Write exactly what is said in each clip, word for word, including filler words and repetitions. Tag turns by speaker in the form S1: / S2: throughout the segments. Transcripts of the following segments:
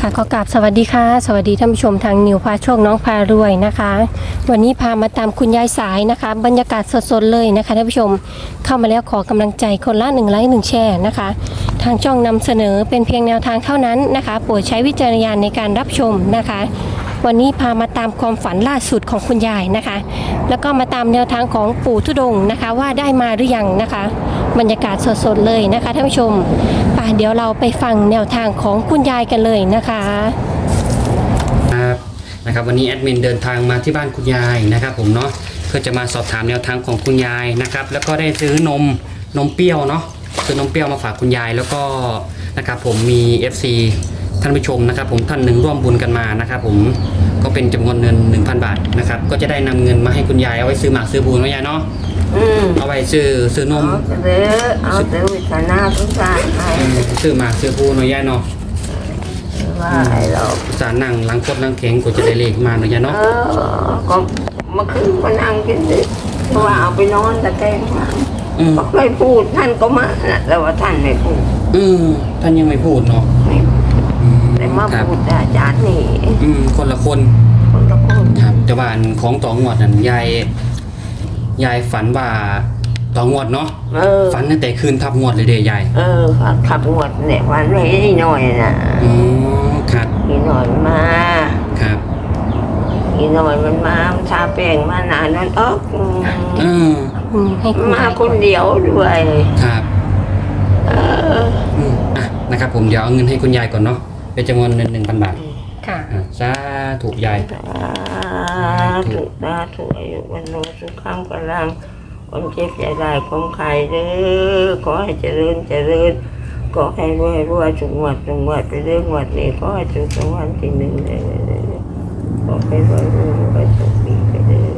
S1: ค่ะขอกราบสวัสดีค่ะสวัสดีท่านผู้ชมทางนิวพาโชคน้องพารวยนะคะวันนี้พามาตามคุณยายสายนะคะบรรยากาศสดๆเลยนะคะท่านผู้ชมเข้ามาแล้วขอกำลังใจคนละหนึ่งไลค์หนึ่งแชร์นะคะทางช่องนำเสนอเป็นเพียงแนวทางเท่านั้นนะคะโปรดใช้วิจารณญาณในการรับชมนะคะวันนี้พามาตามความฝันล่าสุดของคุณยายนะคะแล้วก็มาตามแนวทางของปู่ธุดงค์นะคะว่าได้มาหรือยังนะคะบรรยากาศสดๆเลยนะคะท่านผู้ชมป่ะเดี๋ยวเราไปฟังแนวทางของคุณยายกันเลยนะคะ
S2: ครับนะครับวันนี้แอดมินเดินทางมาที่บ้านคุณยายนะครับผมเนาะเพื่อจะมาสอบถามแนวทางของคุณยายนะครับแล้วก็ได้ซื้อนมนมเปรี้ยวเนาะซื้อนมเปรี้ยวมาฝากคุณยายแล้วก็นะครับผมมี เอฟ ซี ท่านผู้ชมนะครับผมท่านหนึ่งร่วมบุญกันมานะครับผมก็เป็นจำนวนเงิน หนึ่งพัน บาทนะครับก็จะได้นำเงินมาให้คุณยายเอาไว้ซื้อหมากซื้อบุญนะยายเนาะเอาไว้ซื้อซื้อนม
S3: เอาซื้อเอาซื้อวิทนาทุกอย่างให้
S2: ซื้อหมากซื้อบุญนะยายเนาะ
S3: ว่าไอ้เรา
S2: สารนั่งล้างคดล้างแข็งก็จะได้เลขมานะยายเนาะ
S3: เออก็เมื่อคืนก็นั่งกินดิเพราะว่าเอาไปนอนแต่แกงมาก็ไม่พูดท่านก็มาแต่ว่าท่านไม่พูด
S2: อืมท่านยังไม่พูดเนาะ
S3: แต่มาพูดอาจารย์นี่
S2: อืมคนละคน
S3: คนละคน
S2: ครับแต่ว่าของต่องวดนั่นยายยายฝันว่าต่องวดเนาะฝันตั้งแต่คืนทับงวดเลยเด้ยาย
S3: เออขับงวดเนี่ยวันนี้หน่อยนะ
S2: อ๋อครับ
S3: อีหน่อยมา
S2: ครับ
S3: อีหน่อยมันมาทาแป้งมานานนั่นเออ
S2: อืม
S3: มาคนเดียวด้วย
S2: ครับเอออ่ะนะครับผมเดี๋ยวเอาเงินให้คุณยายก่อนเนาะเป็นจำนวนเงินหนึ่งพันบาท
S1: ค่ะ
S2: สาธุยาย
S3: สาธุสาธุอายุวันโนสุขังพลังคนเจ็บใจได้ของใครเด้อขอให้เจริญเจริญขอให้รวยรวยสุขวัดสุขวัดไปเรื่องวัดนี้ขอให้ถูกรางวัลที่หนึ่งเลยขอให้รวยรวยรวยสุขดีไปเด้อ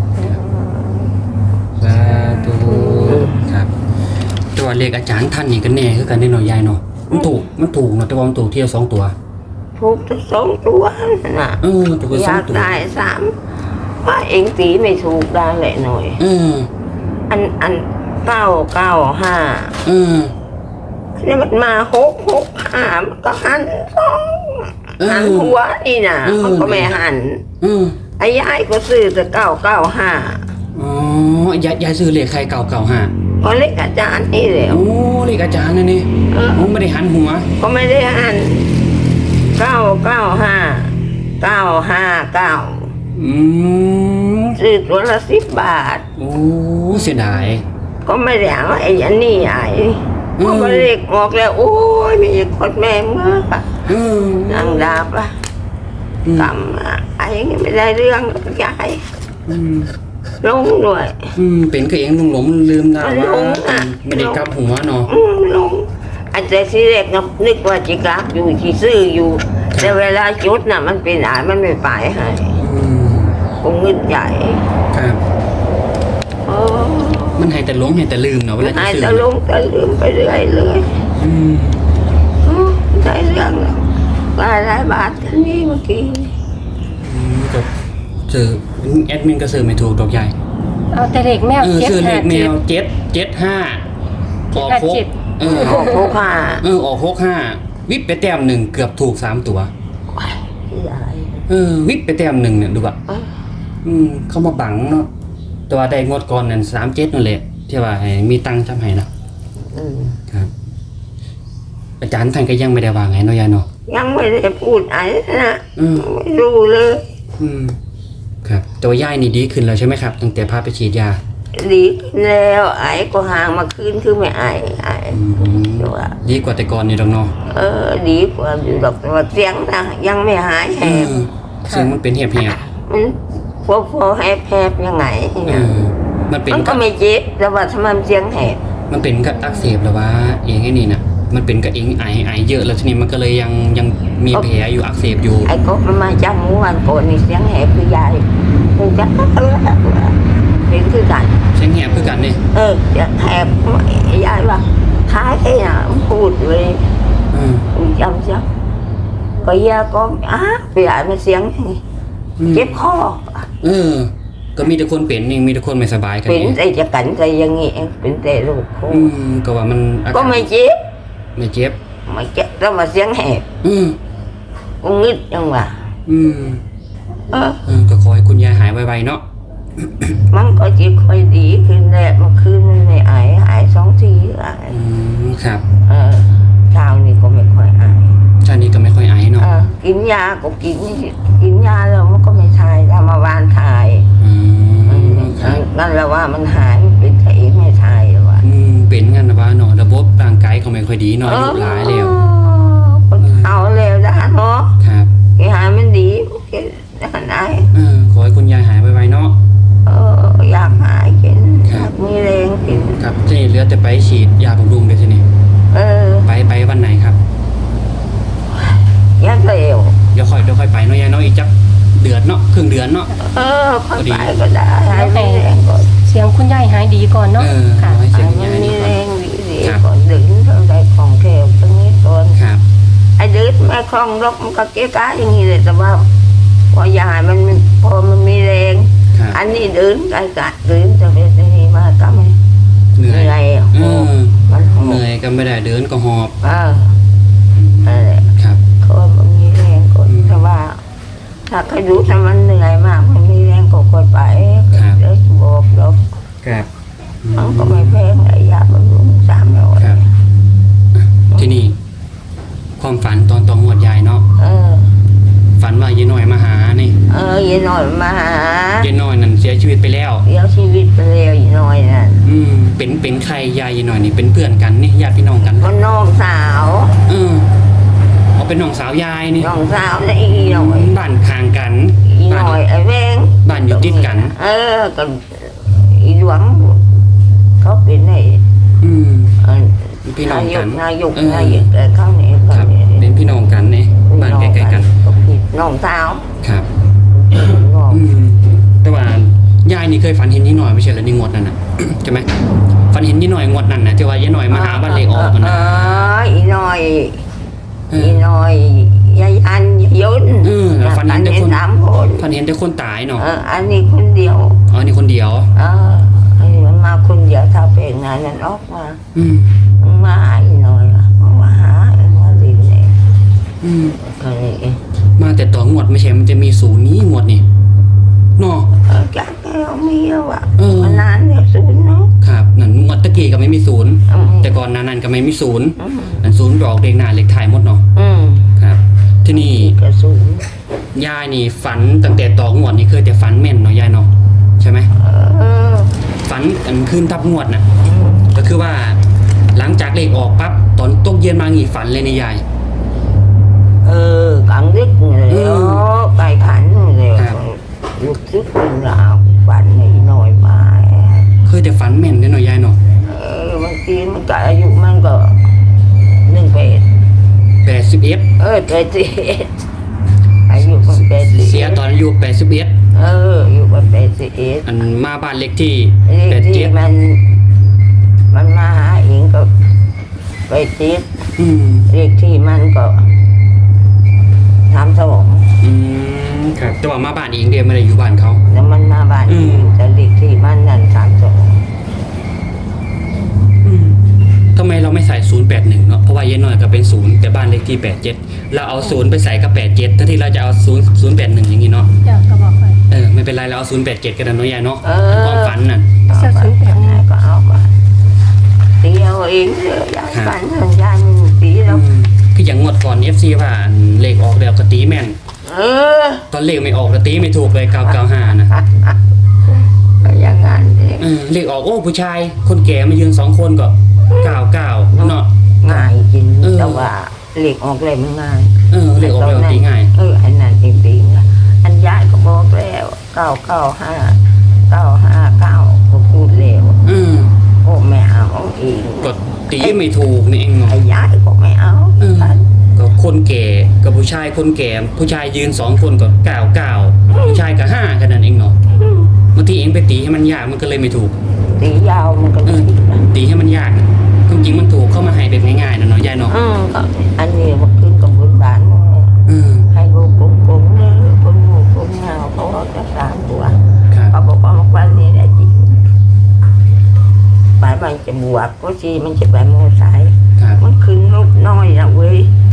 S2: สาธุครับตัวเลขอาจารย์ท่านนี่กันแน่คือกันได้หน่อยยายเนาะมันถูกมันถูกเนาะแต่ว่ามันถูกเที่ยวสองตัว
S3: ถูกทั้งสองตัวน่ะ
S2: เออถูกสองตัว
S3: อยากได้สามว่าเองตีไม่ถูกได้แหละหน่อย
S2: เออ
S3: อันอันเก้าเก้าห้า
S2: เออ
S3: นี่มันมาหกหกห้ามันก็หันสองหันหัวนี่น่ะมันก็ไม่หันไอ้ยายก็ซื้อแต่เก้าเก้าห้า
S2: อ๋อยายยายซื้อเลขใครเก้าเก้าห้า
S3: ก็เลขอาจารย์นี่แหละ
S2: โอ้เลขอาจารย์นี่นี่ผมไม่ได้หันหัว
S3: ก็ไม่ได้หันเก้าเก้าห้าเก้าห้าเก้า
S2: อืม
S3: ซื้อตัวละสิบบาท
S2: โอ้เสียดาย
S3: ก็ไม่ได้เอาไอ้ยันนี่ไอ้ก็เลขออกแล้วโอ้ยมีคนแม่เมื่อนางดาบอะกำไอ้ยังไม่ได้เรื่องยายลงด้วย
S2: อืมเป็นก็เองลุงหลงลืมได้ว่าไม่ได้กลับหัวเนาะ
S3: ลงอันแต่ที่แรกนึกว่าจะกลับอยู่ที่ซื้ออยู่แต่เวลาจุดน่ะมันเป็นอ่านมันไม่ไปให้คงเงินใหญ่
S2: ครับมันให้แต่หลงให้แต่ลืมเนาะเวลาจะซื้อให้
S3: แต่หลงแต่ลืมไปเรื่อยเลย
S2: อืม
S3: ได้เรื่องว่าหลายบาทกันนี่เมื่อกี้
S2: ก็ซื้อแอดมินก็ซื้อไม่ถูกดอกใหญ่
S1: เอาแต่เลขแมว
S2: เจ็ดซื้อเลขแมวเจ็ดเจ็ดห้าออกหก
S3: เออออกหกห้า
S2: เออออกหกห้าวิบไปแต้มหนึ่งเกือบถูกสามตัวเออวิบไปแต้มหนึ่งเนี่ยดูแบบอืมเข้ามาบังเนาะตัวได้งวดก่อนนั่นสามเจ็ดนั่นแหละที่ว่าให้มีตังค์จำให้นะครับอาจารย์ท่านก็ยังไม่ได้วางไงเนาะยายเนาะ
S3: ยังไม่ได้พูดอะไรนะไม่รู้เลย
S2: อืมครับตัวยายนี่ดีขึ้นแล้วใช่ไหมครับตั้งแต่พาไปฉีดยา
S3: ดีขึ้นแล้วไอ้ก็ห่างมาคืนคือไม่ไอ้ไอ้
S2: ดีกว่าแต่ก่อนนี่ดอกเนาะ
S3: เออดีกว่าอยู่ดอกแต่ว่าเสียงนะยังไม่หายแหบ
S2: เสียงมันเป็นแหบแหบ
S3: มันพอพอแหบแหบยังไง
S2: มันเป็น
S3: มันก็ไม่เจ็บแต่ว่าทำไมเสียงแหบ
S2: มันเป็นกับอักเสบหรือว่าเองไอ้นี่นะมันเป็นกับเองไอไอเยอะแล้วทีนี้มันก็เลยยังยังมีแผลอยู่อักเสบอยู่
S3: ไอ้ก็มันมาจากเมื่อวานก่อนนี่เสียงแหบคือยายคงจะเออเป็นคือกัน
S2: เสียงแหบคือกันนี่
S3: เออแหบยายว่าท้ายไอ้น่ะพูดเลยอืมจำจำก็ยาก็อ้าไปอ่านมาเสียงเจ็บคอ
S2: เออก็มีแต่คนเป็นนี่มีแต่คนไม่สบายกัน
S3: เป็นแต่จะกันใจยังงี้เป็นแต่ลูกค
S2: อืมก็ว่ามัน
S3: ก็ไม่เจ็บ
S2: ไม่เจ็บ
S3: ไม่เจ็บแล้วมาเสียงแหบ
S2: อืม
S3: กูงึดจังหวะ
S2: อืม
S3: เออ
S2: เออก็ขอให้คุณยายหายไวๆเนาะ
S3: มันก็จะค่อยดีขึ้นแหละเมื่อคืนมันไม่ไอหายสองทีละ
S2: อืมครับ
S3: เออเช้านี่ก็ไม่ค่อยไอ
S2: ชาตินี้ก็ไม่ค่อยไอเนาะ
S3: เออกินยาก็กินกินยาแล้วมันก็ไม่ทายทำมาวานทาย
S2: อืมครับ
S3: นั่นแหละว่ามันหายมันเป็นไข้ไม่ทายหรอวะ
S2: อืมเป็นงั้นนะว่าเนาะระบบร่างกายเขาไม่ค่อยดีเนาะอายุหลายแล้ว
S3: คนเอาแล้วนะเนาะ
S2: ครับ
S3: แกหายมันดีแกหาย
S2: เออขอให้คุณยายหายไวๆเนาะ
S3: เอออยากหายกิน
S2: ค
S3: อ
S2: รับ
S3: ยากมีแรงกิน
S2: ครับทีนี้เหลือแต่ไปฉีดยาบำรุงเดี๋ยวทีนี้
S3: เออ
S2: ไปไปวันไหนครับ
S3: อยากเร็ว
S2: เดี๋ยวค่อยเดี๋ยวค่อยไปเนาะยายเนาะอีกจักเดือนเนาะครึ่งเดือนเนาะ
S3: เออค่อยไปก็ได้ให้มีแรงก่อน
S1: เสียงคุณยายหายดีก่อนเนาะ
S2: เออ
S1: ค่ะ
S2: ขอให้เสียง
S3: ให้
S2: คุณ
S3: มั
S2: ยาน ย
S3: มี
S2: ดี
S3: แร
S2: ก่อน
S3: งดี
S2: ครับ
S3: ๆก่อนดึงเท่าไรของแถวตรงนี้ก่อน
S2: ครับ
S3: ไอ้ดึงแม่คล่องรกมันก็เก๊กะอย่างนี้เลยแต่ว่าพอยายมันพอมันมีแรง
S2: ครับ
S3: อันนี้เดินไกลกะเดินจะเป็นนี่มาก็ไม่
S2: เหนื่
S3: เห
S2: อย
S3: นื่อย
S2: เอ
S3: โอ้
S2: อ
S3: มันหอ
S2: เหนื่อยก็ไม่ได้เดินก็หอบ
S3: เออ
S2: อืม
S3: นั่นแหละ
S2: ครับ
S3: ก็มันมีแรงก็
S2: อืม
S3: แต่ว่า ถ้าใครรู้ถ้ามันเหนื่อยมากมันมีแรงก็กดไป
S2: ครับ
S3: เดี๋ยวบอกเดี๋ยว
S2: ครับอื
S3: มันก็
S2: ม
S3: ไม่แพงไอ้ยาบำรุงสามร้อย
S2: ครับ ที่นี่ความฝันตอนตองหวดยายเนาะ
S3: เออ
S2: ฝันว่ายายน้อยมาหานี่
S3: เออยีหน่อยมาหาย
S2: ายน้อยนั่นเสียชีวิตไปแล้ว
S3: เดี๋ยวชีวิตไปเร็วยีหน่อยนั่น
S2: อืมเป็นเป็นใครยายยายน้อยนี่เป็นเพื่อนกันนี่ญาติพี่น้องกัน
S3: ก็น้องสาว
S2: เออเอาเป็นน้องสาวยายนี่
S3: น้องสาวนี่อีหน่อย
S2: บ้านข้างกัน
S3: อีห
S2: บ้าน
S3: น่อยไอ้แวง
S2: บ้านอยู่ติดกัน
S3: เออก็อีหลวงเขาเป็นไอ้
S2: อืม
S3: เอ่อ
S2: พี่น้องกัน
S3: นายก
S2: เออ
S3: นายกแต่เขาเนี่ย
S2: ครับ เป็นพี่น้องกันนี่บ้านใกล้ๆกัน
S3: น้องสาว
S2: ครับ
S3: น้อง
S2: อืมแต่ว่ายายนี่เคยฝันเห็นยี่หน่อยไม่ใช่เหรอในงวดนั่นน่ะ ใช่ไหมฝันเห็นยี่หน่อยงวดนั่นน่ะที่ว่ายายหน่อยมาหาบ้านเลขออกกัน
S3: เอ
S2: นะ
S3: ออีหน่อย
S2: เอ
S3: อี
S2: อ
S3: หน่อยยายอันยายยุน
S2: เออแล้วฝันเห็นแต่คน
S3: สามคน
S2: ฝันเห็นแต่คนตายเนาะ
S3: เอออันนี้คนเดียว
S2: อ๋อนี่คนเดียว
S3: เอออันนี้มันมาคนเดียวถ้าเป็นงานนั้นออกมา
S2: อืม
S3: มันมาหาอีหน่อยอะมันมาหาไอ้มาลินเนี่ย
S2: อืม
S3: ก็นี่เอง
S2: มาแต่ต่องวดไม่ใช่มันจะมีศูนย์นี้งวดนี่เนาะ
S3: เออจากแก้วมีแล้วอะ
S2: เออ
S3: มันนานเนี่ยศูนย์เนาะ
S2: ครับนั่นงวดตะกี้ก็ไม่มีศูนย์
S3: อืม
S2: แต่ก่อนหนานั้นก็ไม่มีศูนย์
S3: อืม
S2: อันศูนย์ไปออกเลขหน้าเลขท้ายหมดเนาะ
S3: อืม
S2: ครับ ที่นี่
S3: กระศูนย์
S2: ยายนี่ฝันตั้งแต่ต่องวดนี่เคยแต่ฝันแม่นเนาะยายเนาะใช่ไหม
S3: เออ
S2: ฝันอันขึ้นทับงวดน่ะ
S3: อืม
S2: ก็คือว่าหลังจากเลขออกปั๊บตอนตกเย็นมางีฝันเลยนี่ยาย
S3: เออกลางดึกเลย
S2: อืม
S3: โอ้ไปขันเลย
S2: ครับ
S3: ลูกซึกเป็นราวฝันนิดหน่อยมา
S2: เคยแต่ฝันแม่นเด้อเนาะยายเนาะ
S3: เออบางทีมันก็อายุมันก็หนึ่งเป็ด
S2: แปดสิบเอ็ด
S3: เออเป็ดสิอายุมันเป็ดสิ
S2: เสียตอนอายุแปดสิบเอ็ด
S3: เอออายุมันเป็ดสิเอ็ด
S2: อันมาบ้านเลขที่
S3: เล
S2: แป
S3: ข
S2: ด
S3: ที่
S2: เจ็ด
S3: มัน มันมาหาเองก็ไปติด
S2: อืม
S3: เลขที่มันก็สามสอง
S2: อืมครับแต่ว่ามาบ้านเองเดียวไม่ได้อยู่บ้านเขา
S3: แล้วมันมาบ้าน
S2: อื
S3: เอ
S2: ม
S3: งแต่เลขที่มันนั่นสามสอง
S2: อืมทำไมเราไม่ใส่ศูนย์แปดหนึ่งเนาะเพราะว่ายายน้อยก็เป็นศูนย์แต่บ้านเลขที่แปดเจ็ดเราเอาศูนย์ไปใส่กับแปดเจ็ดถ้าที่เราจะเอาศูนย์ศูนย์แปดหนึ่งอย่างนี้เนาะ
S1: อยากก็บอกไป
S2: เออไม่เป็นไรเราเอาศูนย์แปดเจ็ดกันนะเนาะยายเนาะ
S3: เออ
S2: ความฝันน่ะ
S1: เสื้อศูนย์แปดหนึ่ง
S3: ก็เอาไปตีเอาเองเลยยายฝันเห็นยายมันตีแล้ว
S2: อืมคืออย่างงวดก่อน เอฟ ซี ว่าเลขออกแล้วก็ตีแม่น
S3: เออ
S2: ตอนเลขไม่ออกแล้วตีไม่ถูกเลยเก้าเก้าห้านะ
S3: ก็อย่างนั้นเอง
S2: เออเลขออกโอ้ผู้ชาย คนแก่มายืนสองคนก็เก้าเก้าเนาะ
S3: ง่ายจริง
S2: เออ
S3: แต่ว่าเหล็กออกเลยมันง่าย
S2: เออเลขออกแล้วตีง่าย
S3: เอออันนั้นจริงๆนะอันยายก็บอกแล้วเก้าเก้าห้าเก้าห้าเก้าก็พูดแล้ว
S2: อืม
S3: โอ้ไม่เอาเอง
S2: ก็ตีไม่ถูกนี่เองเนาะ
S3: ไอ้ยายก็ไม่เอา
S2: เออ
S3: ฝัน
S2: ก็คนแก่กับผู้ชายคนแก่ผู้ชายยืนสองคนก็เก้าเก้าผู้ชายก็ห้าแค่นั้นเองเนาะบางทีเองไปตีให้มันยากมันก็เลยไม่ถูก
S3: ตียาวมันก็
S2: เออ
S3: ผิดนะ
S2: ตีให้มันยากจริงๆมันถูกเข้ามาให้แบบง่ายๆนะเนาะยายเนาะ
S3: อืมก็อันนี้มันขึ้นกับบนบานมา
S2: เออ
S3: ให้ลูกกุ้งกุ้งเลยกุ้งหมูกุ้งเงาเขาออกจากสามตัว
S2: ครับ
S3: เขาบอกว่าวันนี้ได้จริงบ่ายมันจะบวกก็ชีมันจะแบบโมสาย
S2: ครับ
S3: มันขึ้นลูกน้อยนะเว้ย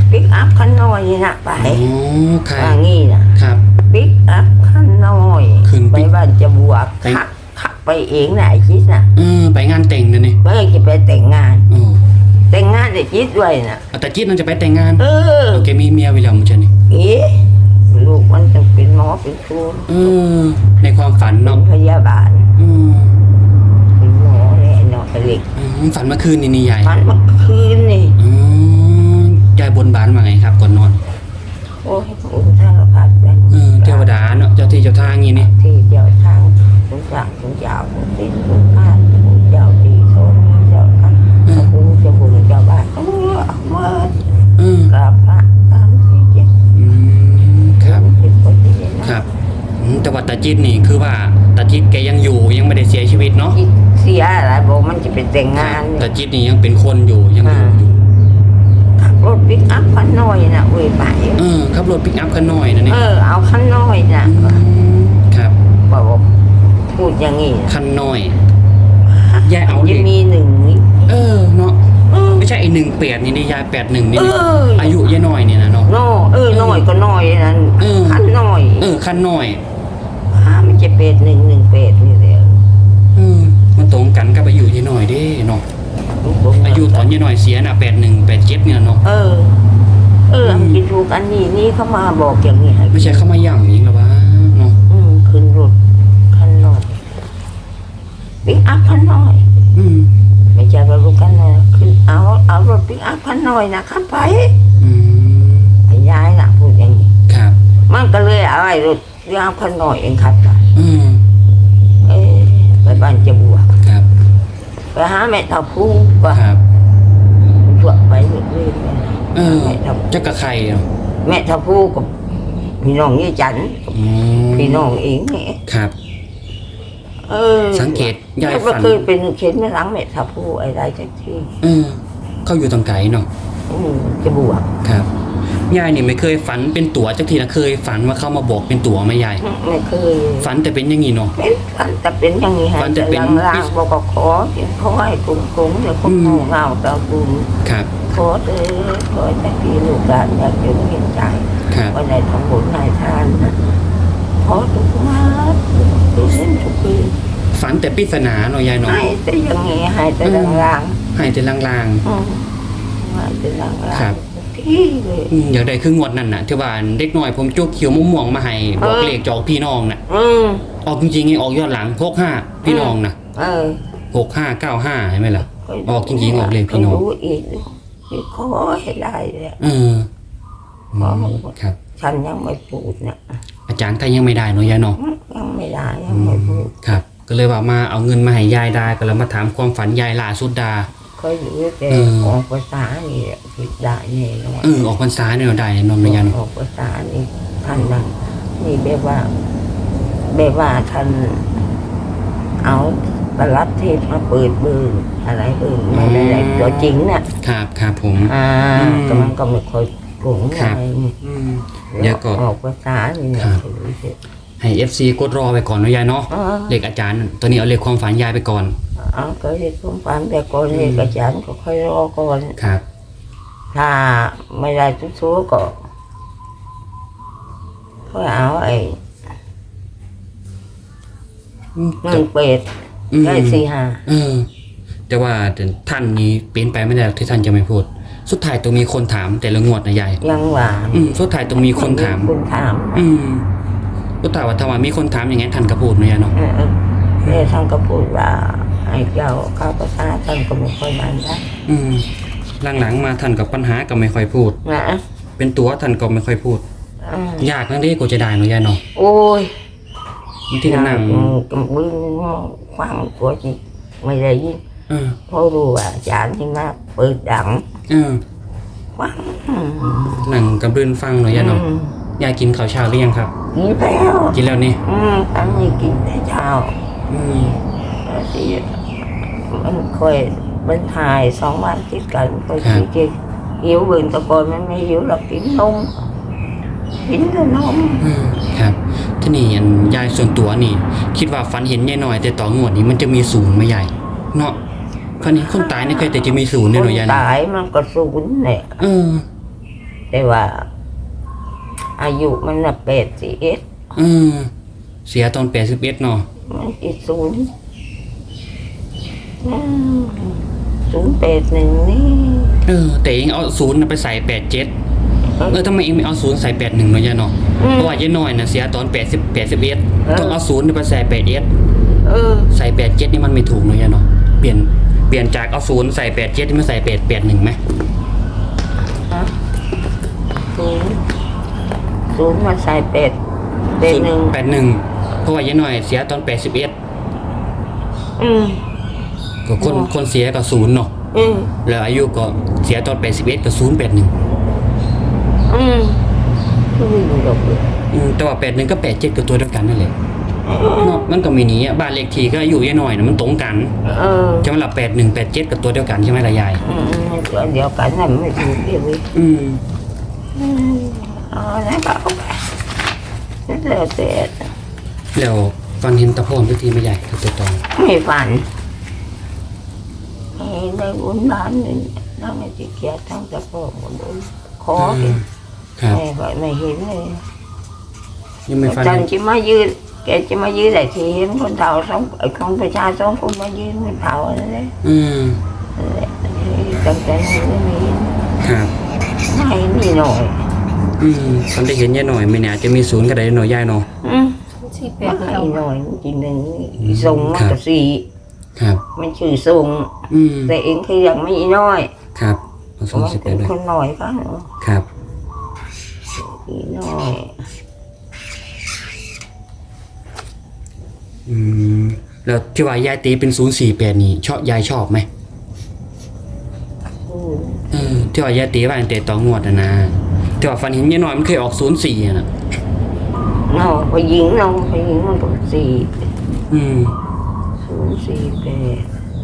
S3: ปิกอัพคันน้อยนี่นะไป
S2: อ๋อค่ะ
S3: ว่างี้นะครับ ปิกอัพคันน้อย
S2: ขึ้น
S3: ไป
S2: ปิก
S3: บ้านจะบวก
S2: ไป
S3: ขับขับไปเองนะไอ้จิ๊ดน่ะ
S2: เออไปงานแต่งนะนี่
S3: เมื่อจะไปแต่งงาน
S2: โอ้
S3: แต่งงานไอ้จิ๊ดด้วยน่ะ
S2: เอาแต่จิ๊ดมันจะไปแต่งงาน
S3: เออ
S2: โอเคมีเมียไปแล้วมั้งจ๊ะนี่
S3: เอ๊ะลูกมันจะเป็นหมอเป็นครู
S2: เออในความฝัน
S3: เป็
S2: เนาะ
S3: นพยาบาล
S2: อืม
S3: เป็นหมอเลยเนาะเล็ก
S2: อืมฝันเมื่อคืนนี่นี่ยาย
S3: มันเมื่อคืนนี่
S2: อ๋อยายบนบานมาไงครับก่อนนอน
S3: โอ้ยพระองค์ท่านก็พัดเป็น
S2: เออเทวดาเนาะเจ้าที่เจ้าทางอย่างงี้นี่
S3: ที่เจ้าทางสงจากสงยาวสงติดสงพานสงเจ้าดีโซนีเจ้าค่ะพระองค์เจ้าบุญเจ้าบ้านเออเมื่อ
S2: เออก
S3: ราบพระตามที่เจ็ด
S2: อืมครับ
S3: เป็นคนที่เห็นนะครับ
S2: อืมแต่ว่าตาจิ๊ดนี่คือว่าตาจิ๊ดแกยังอยู่ยังไม่ได้เสียชีวิตเนาะ
S3: อีกเสียอะไรบอกมันจะเป็นแต่งงาน
S2: ตา
S3: เนี่ย
S2: จิ๊ดนี่ยังเป็นคนอยู่ยังอยู่อยู่
S3: ขับรถปิกอัพคันน้อยน่ะเว้ยไป
S2: เออขับรถปิกอัพคันน้อยนะนี่
S3: เออเอาคันน้อยน่ะ
S2: อืมครับ
S3: บอกว่าพูดอย่างงี้นะ
S2: คันน้อยยายเอาเล
S3: จะ
S2: ข
S3: มีหนึ่งนี่
S2: เออเนาะ
S3: เออ
S2: ไม่ใช่ไอหนึ่งแปดนี่นี่ยายแปดหนึ่งนี่
S3: เอ
S2: นี่
S3: อ
S2: อายุยายน้อยเนี่ยนะเนาะ
S3: น้อเออน้อยก็น้อยนั่น
S2: เออ
S3: คันน้อย
S2: เออคันน้อย
S3: อ่ามันจะเป็ดหนึ่งหนึ่งเป็ดนี่แหละ
S2: เออมันตรงกันกับอายุยายน้อยเด้เนาะอายุตอนยายน้อยเสียน่ะแปดหนึ่งแปดเจ็ดเนี่ยเนาะ
S3: เออ เออมันกินถูกอันนี้นี่เขามาบอกอย่างนี้ให้
S2: ไม่ใช่เข้ามาย่ำยิงหรอวะเนาะ
S3: อืมขึ้นรถคันน้อยปิกอัพคันน้อย
S2: อืม
S3: ไม่ใช่ว่ารถคันน้อยขึ้นเอาเอารถปิกอัพคันน้อยนะขับไป
S2: อืม
S3: ไอ้ยายน่ะพูดอย่างนี้
S2: ครับ
S3: มันก็เลยเอาไอ้รถปิกอัพคันน้อยเองขับไป
S2: อืม
S3: เอ้ยไปบ้านจะบวก
S2: ครับ
S3: ไปหาแม่ทับผู้ว่า
S2: ครับ
S3: บวกไปเรื่อยๆไป
S2: เออ
S3: แม่ทับ
S2: เจ้ากับใครเนาะ
S3: แม่ทับผู้กับพี่น้องยี่จันทร์
S2: อืม
S3: พี่น้องเองนี่
S2: ครับ
S3: เออ
S2: สังเกตยาย
S3: แล้ว
S2: ฝั
S3: ก็
S2: น
S3: เคยเป็นเข็นไม่หลังแม่ทับผู้อะไรจังที่
S2: เออเขาอยู่ตรงไกลเนาะ
S3: อืมจะบวก
S2: ครับยายนี่ไม่เคยฝันเป็นตั๋วจักทีนะเคยฝันว่าเขามาบอกเป็นตั๋วไหมยาย
S3: ไม่เคย
S2: ฝันแต่เป็นอย่างงี้เนาะ
S3: เป็นฝันแต่เป็นอย่างนี้ฮะ
S2: ฝันแต่เป็น
S3: ลางๆบอกก็ขอเพียงขอให้กุ้งกุ้งเดี๋ยวก็
S2: อืม
S3: เงาเงาตาบุญ
S2: ครับ
S3: ขอเถอะขอแต่พี่ลูกหลานอยากจะเห็นใจ
S2: ครับ
S3: วันไหนทำบุญนายทานนะขอทุกมาทุกเส้นทุกปี
S2: ฝันแต่ปริศนาเนาะยายเนาะ
S3: ให้แต่อย่างนี้ให้แต่ลาง
S2: ให้แต่ลาง
S3: ๆอืมให้แต่ลาง
S2: ครับ
S3: ๆที่เลย
S2: ๆอืมอยากได้คืองวดนั่นน่ะที่ว่าเด็กน้อยผมจุกเขียวมะม่วงมาให้บอก
S3: เออ
S2: เลขจอกพี่น้องน่ะ
S3: อืม
S2: ออกจริงๆไงออกยอดหลังหกห้าพี่น้องน่ะ
S3: เออ
S2: หกห้าเก้าห้าใช่ไหมล่ะ ออกจริงๆออกเลขพี่น้อง
S3: รู้อีกนี่ขอให้ได้เลย
S2: เอออืมครับ
S3: ฉันยังไม่พูดเนี่ย
S2: อาจารย์ก็ยังไม่ได้เนาะยายเนาะ
S3: ยังไม่ได้ยังไม่พูด
S2: ครับ ก็เลยว่ามาเอาเงินมาให้ยายได้ก็เลยมาถามความฝันยายล่าสุดดา
S3: ก็อยู่แต่
S2: เออ
S3: ออกภาษานี่แหละผิดได้แน่นอน
S2: เออออกพรรษาเนี่ยเราได้เนอนยายเนาะ
S3: ออกภาษานี่ท่านนั่นนี่แบบว่าแบบว่าท่านเอาประลัดเทพมาเปิดเบิร์อะไรเบิร์ไม่ได้อะไรตัวจริงน่ะ
S2: ครับครับผม
S3: อ่า
S2: อืม
S3: ก็มันก็ไม่ค่อยโกง
S2: ครั
S3: อะ
S2: บ
S3: ไรนี่
S2: อืมเดี๋ยวก็
S3: ออกภาษานี่เนี่ย
S2: ครับ
S3: ถือเสร็จ
S2: ให้ เอฟ ซี กดรอไปก่อนเนาะยายเนาะ
S3: อ่า
S2: เลขอาจารย์ตัวนี้เอาเลขความฝันยายไปก่อน
S3: เอาก็เรียกสมฝันแต่ก่อนเรียกอาจารย์ก็ค่อยรอก่อน
S2: ครับ
S3: ถ้าไม่ได้ทุกทัวๆก็ค่อยเอาไอ้
S2: อืม
S3: เงินเป็ด
S2: อืม
S3: ได้สี่ห้า
S2: เออ แต่ว่าท่านนี้เปลี่ยนไปไม่ได้หรอกที่ท่านจะไม่พูด สุดท้ายต้องมีคนถามแต่ละงวดนะยาย
S3: ยังหวาน
S2: อืมสุดท้ายต้องมีคนถาม
S3: คนถาม
S2: อืมสุดท้ายว่าถ้าว่ามีคนถามอย่างงั้นท่านก็พูดเนาะยายเนาะ
S3: เออเออเนี่ยท่านก็พูดว่าไอ้เจ้าข้าวภาษาท่านก็ไม่ค่อยมันได้
S2: อืมหลังๆมาท่านกับปัญหาก็ไม่ค่อยพูด
S3: นะ
S2: เป็นตัวท่านก็ไม่ค่อยพูด
S3: อ่าย
S2: ากนั่นเด้กูจะได้เนาะยายเนาะ
S3: โอ้ย
S2: บางทีก็นั่ง
S3: กำมือฟังตัวจีไม่ได้ยิน
S2: เออ
S3: เพราะรู้ว่าอาจารย์ที่มาเปิดดัง
S2: เออ
S3: ฟัง
S2: นั่งกับรื่นฟังเนาะยายเนาะ
S3: อืม
S2: ยายกินข้าวเช้าหรือยังครับ
S3: กินแล้ว
S2: กินแล้วนี่
S3: อืมอันนี้กินแต่เช้า
S2: อืม
S3: ที่มันค่อยมันถ่ายสองวันติดกันค่อยกินกินหิวเบิ่งแตะกอนมันไม่หิวหรอกกินนมกินแต่นม
S2: อืมครับที่นี่อันยายส่วนตัวนี่ คิดว่าฝันเห็นยายหน่อย แต่ต่องวดนี้มันจะมีศูนย์ไหมยายเนาะฝันเห็นคนตายนี่เคยแต่จะมีศูนย์
S3: ค
S2: เนี่ย
S3: น
S2: เนาะยายเนาะ
S3: ตายมันก็สูญเนี่ย
S2: เออ
S3: แต่ว่า อายุมันน่ะแปดสิบเอ็ด
S2: อืมเสียตอนแปดสิบเอ็ดเนาะ
S3: มันกี่ศูนย์ศูนย์แปดหนึ่งนี่
S2: เออแต่เองเอาศูนย์น่ะไปใส่แปดเจ็ดเออทำไมเองไม่เอาศูนย์ใส่แปดหนึ่งเนาะยายเนาะเพราะว่ายายน้อยน่ะเสียตอนแปดสิบแปดสิบเอ็ดต้องเอาศูนย์ไปใส่แปดเอ็ด
S3: เออ
S2: ใส่แปดเจ็ดนี่มันไม่ถูกเนาะยายเนาะเปลี่ยนเปลี่ยนจากเอาศูนย์ใส่แปดเจ็ดนี่มาใส่แปดแปดหนึ่งไหม
S3: ฮะศูนย์ศูนย์มาใส่แปดแปดหนึ่ง
S2: แปดหนึ่งเพราะว่ายายน้อยเสียตอนแปดสิบเอ็ด
S3: อืม
S2: ก็คนคนเสียก็ศูนย์เนาะ
S3: อืม
S2: แล้วอายุก็เสียตอนแปดสิบเอ็ดก็ศูนย์แปดหนึ่ง
S3: อืมก็ไม่รู้หรอกเลย
S2: แต่ว่าแปดหนึ่งก็แปดเจ็ดก็ตัวเดียวกันนั่นแหละเนาะมันก็มีนี้อ่ะบ้านเลขที่ก็อายุยายน้อยนะมันตรงกัน
S3: เออ
S2: ใช่ไหมล่ะแปดหนึ่งแปดเจ็ดกับตัวเดียวกันใช่ไหมล่ะยาย
S3: อืมมันก็เดียวกันน่ะไม่ถูกเดียวเลย
S2: อืม
S3: อืมเอาแล้วก็เอาไปแล้วแต่
S2: แล้วฟันเห็นตะโพนทุกทีไม่ใหญ่ตัวตอง
S3: ไม่ฝันให้ได้บุญล้านหนึ่งทั้งไอ้ที่เกียรติทั้งตะโพกหมดเลยขอเห็น
S2: ครับ
S3: แม่ก็ไม่เห็นเลย
S2: ยังไม่ฟัน
S3: จัน
S2: เห็น
S3: จะมายืนแกจะมายืนแต่ทีเห็นคนเฒ่าสองไอ้ของประชาสองคนมายืนคนเฒ่าอะไรเลย
S2: อืม
S3: ตั้งแต่นี้ไม่เห็น
S2: ครับ
S3: ไม่มีหน่อย
S2: อืมฟันได้เห็นยายหน่อยไม่เนี่ยอาจจะมีศูนย์ก็ได้หน่อยยายเนาะ
S3: อืม
S1: สี่แป
S3: ไม่
S1: ดเอา
S3: หน่อยจริงหนึ่งส่งมากับสี่
S2: ครับ
S3: มันชื่อส่ง
S2: อืม
S3: แต่เองคือยังไม่น้อย
S2: ครับเอาสอง
S3: มัน
S2: สิบ
S3: เป็
S2: ไป
S3: น
S2: เลย
S3: คนหน่อยก็เนาะ
S2: ครับ
S3: อีน้อย
S2: อืมแล้วที่ว่ายายตีเป็นศูนย์สี่แปดนี่ชอบยายชอบไหม
S3: อืม
S2: เออที่ว่ายายตีว่าตั้งแต่ต่องวดอะนะที่ว่าฟันเห็นยายหน่อยมันเคยออกศูนย์สี่อะนะ
S3: เนาะไปยิงเนาะไปยิงมันก็สี่
S2: อืม
S3: ศูนย์สี่แปด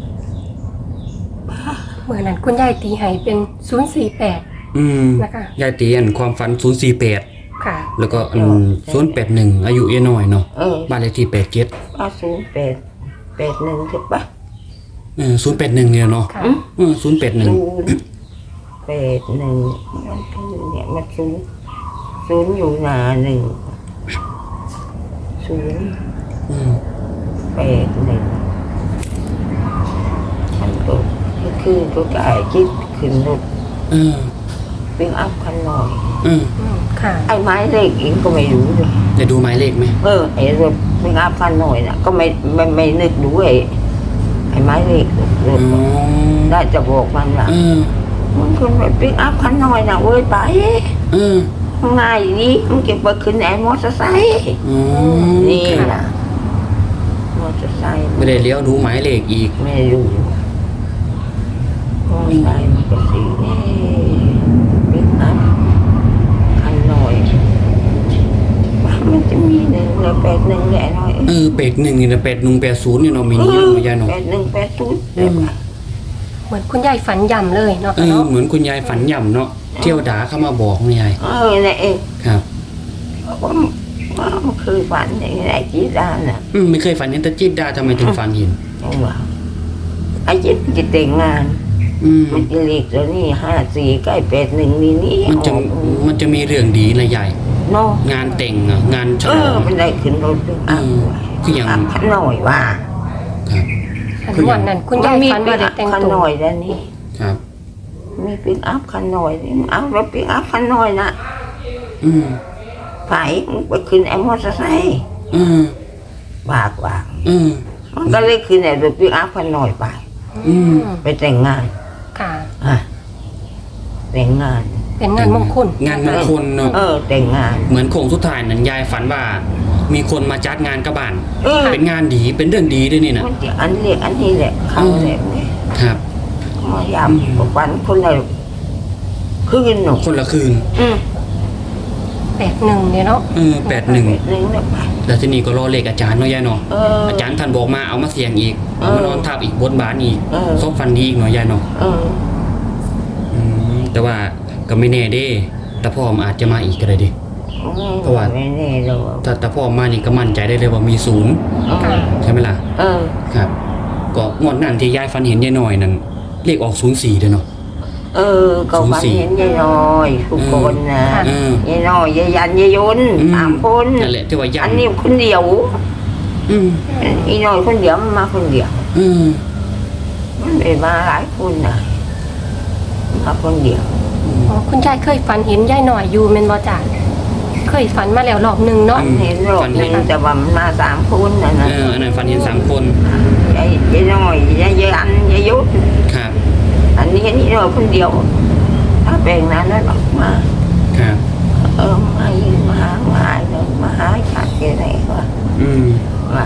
S1: เมื่อนั้นคุณยายตีให้เป็นศูนย์สี่แปด
S2: อืม
S1: นะคะ
S2: ยายตีอันความฝันศูนย์สี่แปด
S1: ค่ะ
S2: แล้วก็อันศูนย์แปดหนึ่งอายุยายหน่อยเนาะ
S3: เออ
S2: บ้านเลขที่แปดเจ็ด
S3: ว่าศูนย์แปดแปดหนึ่งใช่ปะ
S2: เออศูนย์แปดหนึ่งเนี่ยเนาะ
S1: ค่ะ
S3: อืม
S2: เออศูนย์แปดหนึ่ง
S3: ศูนย์แปดหนึ่งมันคือเนี่ยมันศูนย์ศูนย์อยู่หนาหนึ่งศูนย์
S2: อืม
S3: แปดหนึ่งมันก็คือก็กายคิดขึ้นรถ
S2: เออ
S3: เป็นอัพคันหน่อย
S2: เออ
S1: อืมค่ะ
S3: ไอ้ไม้เลขเองก็ไม่รู้เลย
S2: จะดูหมายเลขไหม
S3: เออไอ้รถเป็นอัพคันหน่อยน่ะก็ไม่ไม่ไม่นึกดูไอ้ไอ้ไม้เลขรถ
S2: อ๋อ
S3: ได้จะบอกมันว่า
S2: เออ
S3: มันคนไปเป็นอัพคันหน่อยน่ะเว้ยไป
S2: เออ
S3: ง่ายดีมันเก็บไปขึ้นไอ้มอเตอร์ไซค์
S2: อ๋อ
S3: นี่
S2: ครับ
S3: ล่ะมอเตอร์ไซค์
S2: ไม่ได้เลี้ยวดูหมายเลขอีก
S3: ไม่รู้มอเตอร์ไซค์มันก็สีนี่เป็นอัพคันหน่อยว่ามันจะมีหนึ่งแล้วแปดหนึ่งแหละหน่อย
S2: เออเป็ดหนึ่งนี่นะเป็ดหนึ่งแปดศูนย์เนี่ยเนาะมีนี่เนาะยายเนาะ
S3: แปดหนึ่งแปดศูนย์
S2: อืม
S1: เหมือนคุณยายฝันย่ำเลยเนาะ
S2: เออ
S1: เนาะ
S2: เหมือนคุณยายฝันย่ำเนาะเที่ยวด่าเข้ามาบอกคุณยาย
S3: เออเนี่ยเอง
S2: ครับ
S3: ว่าว่ามันคือฝันอย่างไรจีด้านน่ะ
S2: อืมไม่เคยฝันเห็นแต่จิตดาทำไมถึงฝันเห็น
S3: ยังว่าไอ้จิตจะแต่งงาน
S2: อืม
S3: มันจะเรียกตัวนี้ห้าสี่ใกล้แปดหนึ่งนี่นี่
S2: มันจะ
S3: ออก
S2: มันจะมีเรื่องดีนะยาย
S3: เนาะ
S2: งานแต่งอะงานฉ
S3: เอ
S2: ลอ
S3: อง มันได้ขึ้นรถด้วยอ่ะ
S2: อืมคืออย่าง
S3: อ่ะขันหน่อยว่า
S2: ครับ
S1: อันวันนั้นคุณยายฝันว่าได้แต่ง
S3: ขัน
S1: ตัว
S3: หน่อยแล้วนี่
S2: ครับ
S3: มีปิกอัพขันหน่อยนี่เอาแล้วปิกอัพขันหน่อยนะ
S2: อืม
S3: ไผ่มึงไปขึ้นไอ้มอเตอร์ไซค์
S2: อืม
S3: บากว่า
S2: อืม
S3: มันก็เลยขึ้นไอ้รถปิกอัพขันหน่อยไป
S2: อืม
S3: ไปแต่งงาน
S1: ค่ะ
S3: อ่ะแต่งงาน
S1: เป็นงานมงคล
S2: งานมงคลเนาะ
S3: เออแต่งงาน
S2: เหมือนโค้งสุดท้ายนั้นยายฝันว่า มีคนมาจัดงานกับบ้าน
S3: เออ
S2: เป็นงานดีเป็นเรื่องดีด้วยนี่นะ
S3: มันจะอันเรียกอันนี้แหละเขาแหละนี่
S2: ครับ
S3: มายามบอกวันคนละคืนหนู
S2: คนละคืน
S3: อืม
S1: แปดหนึ่งเนี่ยเนาะ
S2: เออแปดหนึ่ง
S3: หนึ่งเนี่ยไป
S2: แล้วทีนี้ก็รอเลขอาจารย์เนาะยายเนาะ
S3: เออ
S2: อาจารย์ท่านบอกมาเอามาเสี่ยงอีก
S3: เอ
S2: เอา
S3: อ
S2: มานอนทับอีกบนบานอีก
S3: เออ
S2: ซบฟันดีอีกเนาะยายเนาะ
S3: เออ
S2: อืมแต่ว่าก็ไม่แน่เด้แต่พ่อมนอาจจะมาอีกก็ได้ดิ เพราะว่า
S3: ไม่แน่หรอก
S2: ถ้าแต่พ่อมานี่ก็มั่นใจได้เลยว่ามีศูนย์
S3: เออ
S2: ใช่ไหมล่ะ
S3: เออ
S2: ครับ ก็งวดนั้นที่ยายฟันเห็นยายหน่อยนั่นเลขออกศูนย์สี่เด้อเนาะ
S3: เออก็ฝันเห็นยายน้อยทุกคนนะ
S2: เออย
S3: ายน้อยยายยันยายยนต์
S2: อืม
S3: สามคน
S2: นั่นแหละที่ว่ายั
S3: อั
S2: น
S3: นนี้คนเดียว
S2: อืม
S3: อีน้อยคนเดียวมันมาคนเดียว
S2: อืม
S3: มันไม่มาหลายคนนะมาคนเดียว
S1: อ๋อคุณยายเคยฝันเห็นยายหน่อยอยู่แม่นบ่จ้ะเคยฝันมาแล้วรอบหนึงเนาะ
S3: ฝันเห็นรอบหนึงแต่ว่ามันมาสามคนนะนะ
S2: เอออันนั้นฝันเห็นสามคน
S3: ยายยายน้อยยายยันยายยุทธ
S2: ครับ
S3: อันนี้นี่น้อยคนเดียวถ้าแบ่งนั้นแล้วออกมา
S2: ครับ
S3: เออมายืนมาหามาหาเดินมาหาชาติอะไรก็
S2: อืม
S3: มา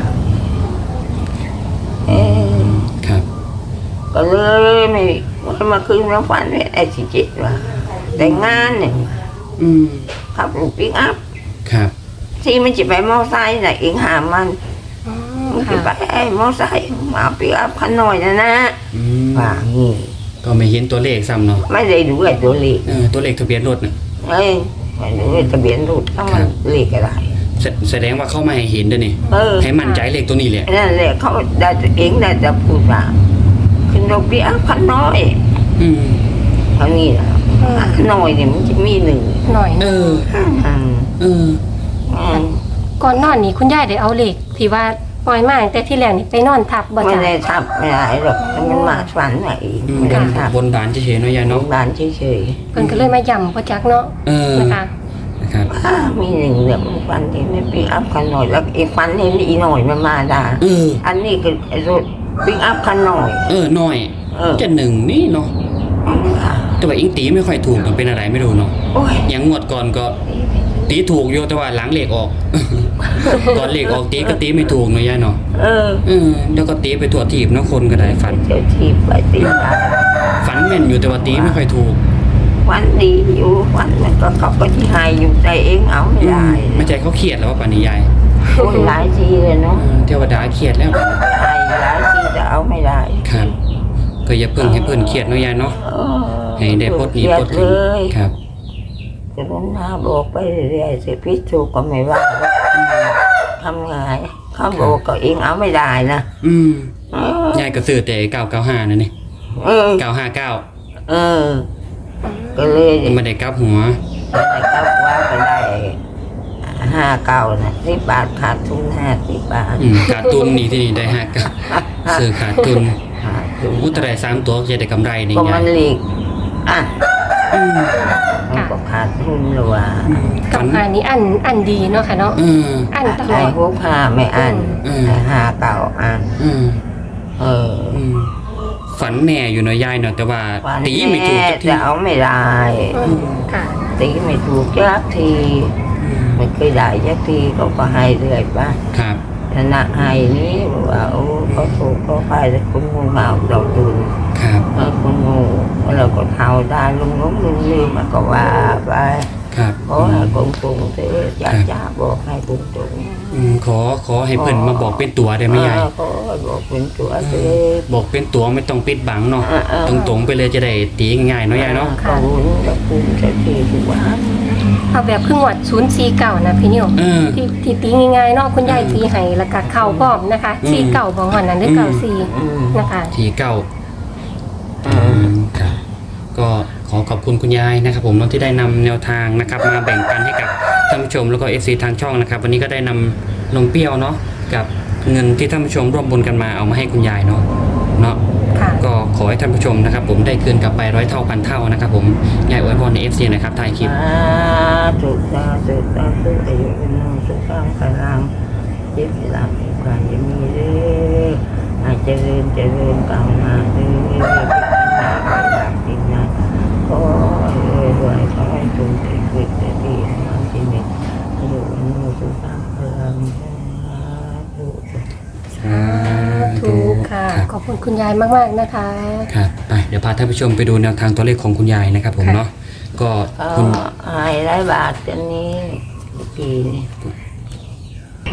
S3: เออ
S2: ครับ
S3: ก็เลยไม่มาคืนน้ำฝันไอ้สิจิตว่าแต่งงานเนี่ย
S2: อืม
S3: ขับรถปิกอัพ
S2: ครับ
S3: ที่มันจะไปมอไซค์น่ะเองหามัน
S1: อ๋อ
S3: มันจะ
S1: ค่ะ
S3: ไปไอ้มอไซค์มาปิกอัพคันหน่อยนะนะ
S2: อืม
S3: ว่างี้
S2: ก็ไม่เห็นตัวเลขซ้ำเนาะ
S3: ไม่ได้ดูไอ้ตัวเลข
S2: เออตัวเลขทะเบียนรถน่ะ
S3: เอ้ยไม่ดูไอ้ทะเบียนรถถ้ามันเลขอะไร
S2: แสแสดงว่าเข้ามาให้เห็นด้วยนี่
S3: เออ
S2: ให้มั่นใจเลขตัวนี้แหละ
S3: นั่นแหละเขาได้ตัวเองได้จะพูดว่าขึ้นรถปิกอัพคันน้อย
S2: อืม
S3: เท่านี้นะคันน้อยเนี่ยมันจะมีหนึ่ง
S1: หน่อย
S2: เออ
S3: อืม
S2: เออ
S3: อืม
S1: ก่อนนอนนี่คุณยายได้เอาเหล็กที่ว่าปล่อยมาตั้งแต่ที่แรกนี่ไปนอนทับบ่
S3: ไม่
S1: จ้ะ
S3: ได้ทับไม่ได้หรอกมันมาฝันไหน
S2: อืม
S3: ไม่ได้ทับบ
S2: นบานเฉยๆเนาะยาย
S3: น้อ
S2: เนาะ
S3: งบ้านเฉย
S1: เพิ่นก็เลยมาย่ำบ่จักเนาะ
S2: เออ
S1: นะคะ
S2: นะครับ
S3: ๆอ่ามีหนึ่งเรื่องมันฝันเห็นในปิกอัพคันหน่อยแล้วอีกฝันเห็นอีหน่อยมันมาด่า
S2: เออ
S3: อันนี้คือไอ้รถปิกอัพคันหน่อย
S2: เออหน่อย
S3: เออ
S2: จะหนึ่งนี่เนาะแต่ว่าอิงตีไม่ค่อยถูกมันเป็นอะไรไม่รู้เนาะ
S3: โอ้ย
S2: อย่างงวดก่อนก็ตีถูกโยแต่ว่าหลังเหล็กออก ก่อนเหล็กออกตีก็ตีไม่ถูกเนาะยายเนาะ
S3: เออ
S2: เออแล้วก็ตีไปทั่วทีบเนาะคนก็ได้ฝัน
S3: เจ้าทีบไปตีได้
S2: ฝันแม่นอยู่แต่ว่าตีไม่ค่อยถูก
S3: ฝันดีอยู่ฝันมันก็กลับไปที่หายอยู่ใจเองเอาไม่ได้
S2: ไม่ใจเขาเครียดแล้วว่าป่านนี้ยาย
S3: โอ้ยหลายทีเลย
S2: เอ
S3: เนาะ
S2: อเทวดาเครียดแล้ว
S3: หายหลายทีจะเอาไม่ได้
S2: ครับ ก็อย่าเพิ่งให้เพิ่นเครียดเนาะยายเนาะ
S3: เออ
S2: ให้ได้พดหนี้พด
S3: เล
S2: สิน
S3: ย
S2: ครับ
S3: จะต้องหน้าบอกไปเรื่อยๆสิพิษถูกก็ไม่ว่าทำไงเขาบอกก็เองเอาไม่ได้นะ
S2: อืม
S3: เออย
S2: ายก็ซื้อแต่เก้าเก้าห้านั่นนี่
S3: เออ
S2: เก้าห้าเก้า
S3: เออ ก็เลย
S2: ไม่ได้กลับหัว
S3: ได้ก็ว่าไปได้ห้าเก้านะสิบบาทขาดทุนห้าสิบบาท
S2: อืมขาดทุนนี่ที่นี่ได้ห้าเก้าซื้อขาดทุน
S3: ขาดทุน
S2: อู้แต่ได้สามตัวจะได้กำไรนี่
S3: ก็
S2: ยา
S3: มั
S2: ย
S3: นหลีกอ่ะ
S2: อืม
S3: มันก็ขาดทุนหรือว่า
S1: กับหานี้อันอันดีเนาะค่ะเนาะ
S2: เออ
S1: อันตล
S3: ได้
S1: อด
S3: พวกห้าไม่อัน
S2: อืม
S3: ได้ห้าเก้าอัน
S2: อืม
S3: เออ
S2: อืมฝันแน่อยู่เนาะยายเนาะแต่ว่า
S3: วัน
S2: ตีไม่ถูก
S3: แม่
S2: สักที
S3: จะเอาไม่ได้
S1: อืมค่ะ
S3: ตีไม่ถูกจักทีไม่เคยได้จักทีเขาก็ให้เรื่อยไป
S2: ครับ
S3: ชนะให้นี้บอกว่าโอ้เขาถูกเขาไปแต่คุณงูเห่าเราตื่น
S2: ครับ
S3: เออคุณงูเราก็เท่าได้ลุงล้มลืมลืมมันก็ว่าไป
S2: ครับ
S3: ขอให้กงตรงเถอะอยากจะบอกให้กงตรง
S2: อืมขอขอให้เพิ่นมาบอกเป็นตัวได้ไหมยาย
S3: เออขอให้บอกเป็นตัวเถอะ
S2: บอกเป็นตัวไม่ต้องปิดบังเนาะ
S3: เออเออ
S2: ตรงๆไปเลยจะได้ตีง่ายๆเนาะยายเนาะ
S3: ขอบคุณจะภูมิใจที่ทุกวัน
S1: เอาแบบครึ่งวัดศูนย์สี่เก่านะพี่นิว
S2: เออ
S1: ที่ที่ตีง่ายๆเนาะคุณยายตีให้แล้วก็เข้าพร้อมนะคะ
S2: อืม
S1: สี่เก่าบางวันนั้นได้เก่าสี่
S3: อืม
S1: นะคะ
S2: ทีเก้า
S3: อืม
S2: ครับก็ขอขอบคุณคุณยายนะครับผมเนาะที่ได้นำแนวทางนะครับมาแบ่งปันให้กับท่านผู้ชมแล้วก็ เอฟ ซี ทางช่องนะครับวันนี้ก็ได้นำนมเปรี้ยวเนาะกับเงินที่ท่านผู้ชมร่วมบุญกันมาเอามาให้คุณยายเนาะเนาะ
S1: ค่ะ
S2: ก็ขอให้ท่านผู้ชมนะครับผมได้คืนกลับไปร้อยเท่าพันเท่านะครับผมยายอวยพรใน เอฟ ซี นะครับถ่ายคลิป
S3: สาธุสาธุสาธุอายุเป็นนสุขังพลังเจ็บหลับความจะมีเด้ออาจจะเริญเจริญก้าวหน้าเด้อหน้าไปหลับจริงนะขอให้รวยรวยขอให้จงได้เกิดได้ดีมาที่นี่อายุเป็นนสุขังพลังสาธุ
S1: ถูกค่ะ
S2: ครับ
S1: ขอบคุณคุณยายมากๆนะคะ
S2: ครับไปเดี๋ยวพาท่านผู้ชมไปดูแนวทางตัวเลขของคุณยายนะครับผม
S1: ค่ะ
S2: เนาะก็
S3: ก็
S2: คุณ
S3: หายหลายบาทจนนี้ปีนี้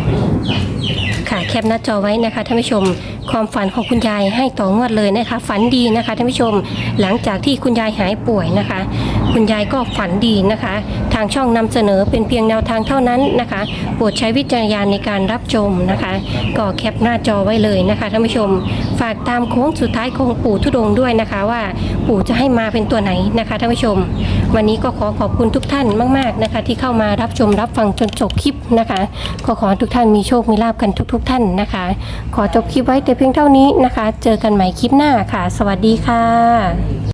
S1: ค่ะแคปหน้าจอไว้นะคะท่านผู้ชมความฝันของคุณยายให้ต่องวดเลยนะคะฝันดีนะคะท่านผู้ชมหลังจากที่คุณยายหายป่วยนะคะ คุณยายก็ฝันดีนะคะ ทางช่องนำเสนอเป็นเพียงแนวทางเท่านั้นนะคะโปรดใช้วิจารณญาณในการรับชมนะคะก็แคปหน้าจอไว้เลยนะคะท่านผู้ชมฝากตามโค้งสุดท้ายของปู่ธุดงค์ด้วยนะคะว่าปู่จะให้มาเป็นตัวไหนนะคะท่านผู้ชม วันนี้ก็ขอขอบคุณทุกท่านมากๆนะคะที่เข้ามารับชมรับฟังจนจบคลิปนะคะขอขอให้ทุกท่านมีโชคมีลาภกันทุกๆท่านนะคะ ขอจบคลิปไว้แต่เพียงเท่านี้นะคะ เจอกันใหม่คลิปหน้าค่ะ สวัสดีค่ะ